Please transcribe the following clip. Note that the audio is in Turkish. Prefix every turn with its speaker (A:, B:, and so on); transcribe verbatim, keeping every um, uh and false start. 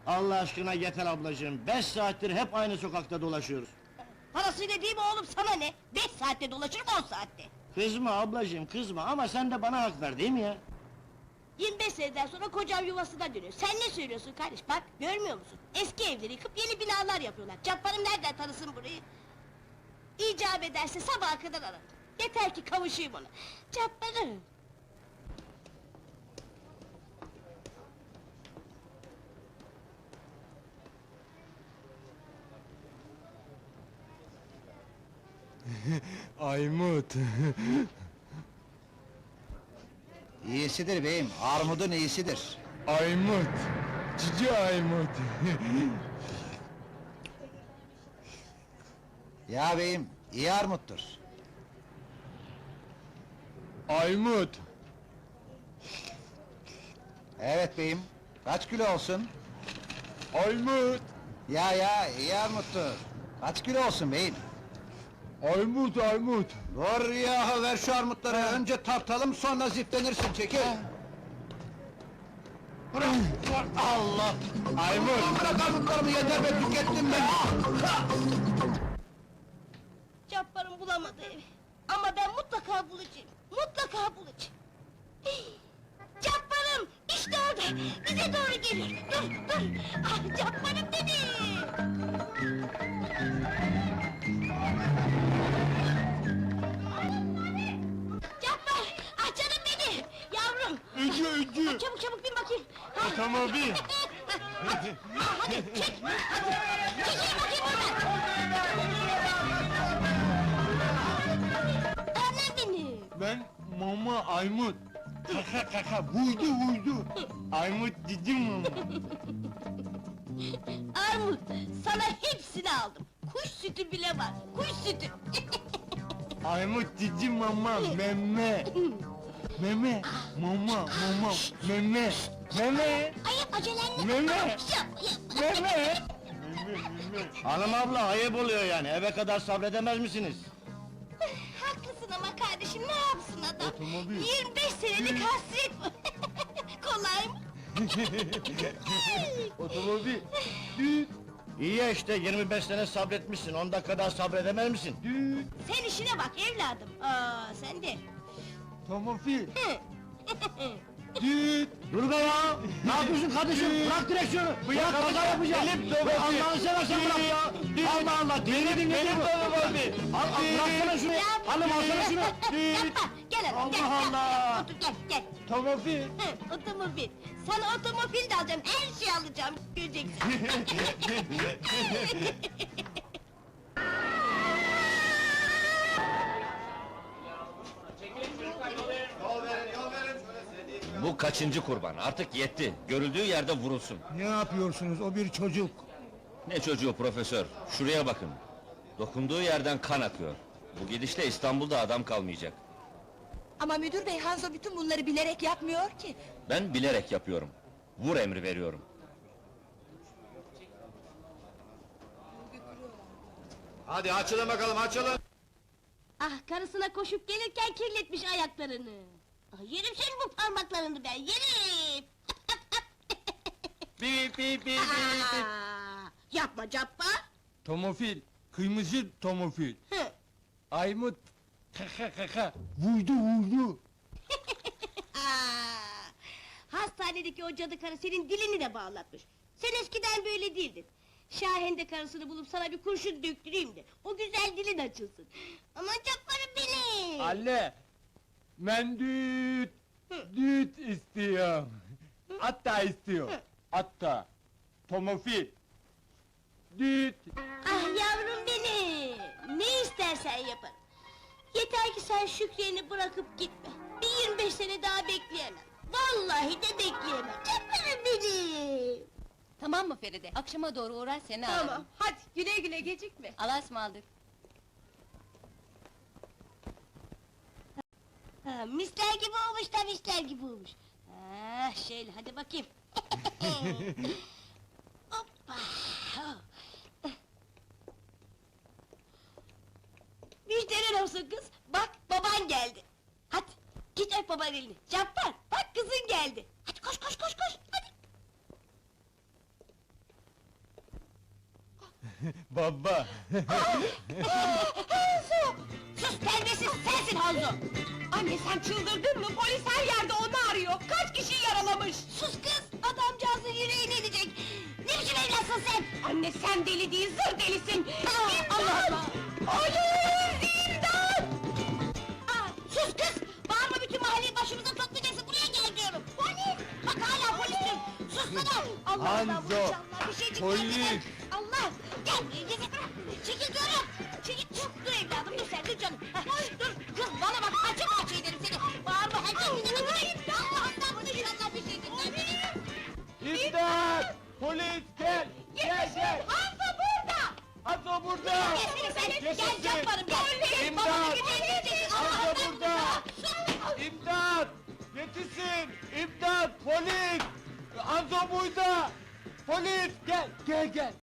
A: Allah aşkına yeter ablacığım, beş saattir hep aynı sokakta dolaşıyoruz.
B: Parasıyla değil mi oğlum, sana ne? Beş saatte dolaşırım, on saatte!
A: Kızma ablacığım, kızma ama sen de bana hak ver değil mi ya?
B: Yirmi beş seneden sonra kocam yuvasına dönüyor. Sen ne söylüyorsun kardeş, bak görmüyor musun? Eski evleri yıkıp yeni binalar yapıyorlar. Cabbarım nereden tanısın burayı? İcap ederse sabaha kadar ararım. Yeter ki kavuşayım ona. Cabbarım!
C: Aymut!
D: İyisidir beyim, armudun iyisidir.
C: Aymut! Cici Aymut!
D: Ya beyim, iyi armuttur.
C: Aymut!
D: Evet beyim, kaç kilo olsun?
C: Aymut!
D: Ya ya, iyi armuttur. Kaç kilo olsun beyim?
C: Aymut, Aymut!
D: Dur ya, ver şu armutları, önce tartalım, sonra ziplenirsin, çekil! Bırak! Allah!
C: Aymut!
D: Bırak armutlarımı, yeter be, tükettim ben!
B: Cabbarım bulamadı evi. Ama ben mutlaka bulacağım. Mutlaka bulacağım. Hii! Cabbarım! İşte orada! Bize doğru geliyor! Dur, dur! Ah, Cabbarım benim! Cabbar! Ah canım benim! Yavrum!
C: Öcü, öcü!
B: Çabuk çabuk bin bakayım! Ha.
C: Otomobil!
B: Hadi! Ah, hadi çek! Hadi! Çekil bakayım oradan! Annem benim!
C: Ben mama Aymut! Kaka kaka, vurdu vurdu! Aymut cici mama!
B: Armut, sana hepsini aldım. Kuş sütü bile var, kuş sütü.
C: Aymut cici mama, meme! Meme, mama, mama, meme! Meme!
B: Ay acelenle.
C: Meme!
B: Yap, yap.
C: Meme! Meme, meme!
A: Hanım abla, ayıp oluyor yani, eve kadar sabredemez misiniz?
B: Haklısın ama kardeşim, ne yapsın adam?
C: Otomobil.
B: yirmi beş senelik hasret bu. Kolay mı?
C: Otomobil! Düt!
A: İyi ya işte, yirmi beş sene sabretmişsin, on dakika daha sabredemez misin?
C: Düt!
B: Sen işine bak evladım. Aa, sen de.
C: Tomofil!
B: Hı.
C: Düt!
A: Dur be ya! Ne yapıyorsun kardeşim? Bırak direksiyonu! Bırak, kaza yapacağım!
C: Elim
A: Be
C: dolu.
A: Allah'ını seversen bırak ya! Allah Allah, dinledin ne
C: Benim
A: bu?
C: otomobil!
A: Al, al, bıraksana şunu!
B: Yavrum.
A: Hanım alsana şunu!
B: Yapma, gel hanım, gel,
A: Allah
B: gel.
A: Allah!
B: Otur, gel, gel.
C: Tomofil!
B: Hı, otomobil. Sana otomobil de alacağım, her şeyi alacağım, göreceksin.
E: Bu kaçıncı kurban? Artık yetti. Görüldüğü yerde vurulsun.
F: Ne yapıyorsunuz? O bir çocuk.
E: Ne çocuğu profesör? Şuraya bakın. Dokunduğu yerden kan akıyor. Bu gidişle İstanbul'da adam kalmayacak.
G: Ama müdür bey, Hanzo bütün bunları bilerek yapmıyor ki.
E: Ben bilerek yapıyorum. Vur emri veriyorum.
D: Hadi açılın bakalım, açılın!
B: Ah, karısına koşup gelirken kirletmiş ayaklarını. Ah, yerim senin bu parmaklarını ben, yerim!
C: Bip bip bip bip!
B: Aa, yapma Cabbar!
C: Tomofil! Kırmızı tomofil!
B: Hı.
C: Aymut! Kaka kaka! Vurdu vurdu!
B: Aa, hastanedeki o cadı karı senin dilini de bağlatmış. Sen eskiden böyle değildin. Şahen de karısını bulup sana bir kurşun döktüreyim de o güzel dilin açılsın. Aman Cabbar'ım benim!
C: Anne! Ben düt! Düt istiyorum! Hatta istiyor! Hatta! Tomofil! Düt!
B: Ah yavrum benim! Ne istersen yaparım. Yeter ki sen Şükriye'ni bırakıp gitme. Bir yirmi beş sene daha bekleyemem. Vallahi de bekleyemem. Cabbar'ım benim!
G: Tamam mı Feride? Akşama doğru uğrar seni
B: Tamam,
G: ararım.
B: hadi güle güle gecikme.
G: Allah'a ısmarladık.
B: Ha, misler gibi olmuş da misler gibi olmuş. Ah, şöyle hadi bakayım. Hoppa! Müjdeler olsun kız, bak baban geldi. Hadi, git öp babanın elini. Cabbar, bak kızın geldi. Hadi koş koş koş koş, hadi.
C: Baba!
B: Sus terbiyesiz sensin Hanzo!
G: Anne sen çıldırdın mı? Polis her yerde onu arıyor. Kaç kişiyi yaralamış?
B: Sus kız! Adamcağızın yüreğine edecek! Ne biçim evlatsın sen?
G: Anne sen deli değil, zır delisin!
B: Aa, Allah Allah!
G: Polis! İmdat!
B: Aa, sus kız! Bağırma bütün mahalleyi başımıza toplayacaksın, buraya gel diyorum! Polis! Bak hala polis diyorum! Sussana! Allah Allah,
C: Hanzo,
B: maşallah, bir şeycik
C: polis!
B: gelmeden- Allah! Gel, gel, gel! Çekil diyorum! Çekil! Dur, dur evladım, dur sen, dur canım! Hah, dur, kız bana bak, açık açı ederim seni! Bağırma, herkes dinlemedi! Allah'ından inşallah bir şey dinler!
C: İmdat! Polis gel! Gel gel!
B: Hanzo burada!
C: Hanzo burada!
B: Gel seni sen, gel Cabbarım, gel! Gel,
C: İmdat!
B: babana güceneceksin!
C: Hanzo
B: Allah'ından
C: burada!
B: sus!
C: İmdat! Yetişin! İmdat! Polis! Hanzo burada! Polis! Gel! Gel gel!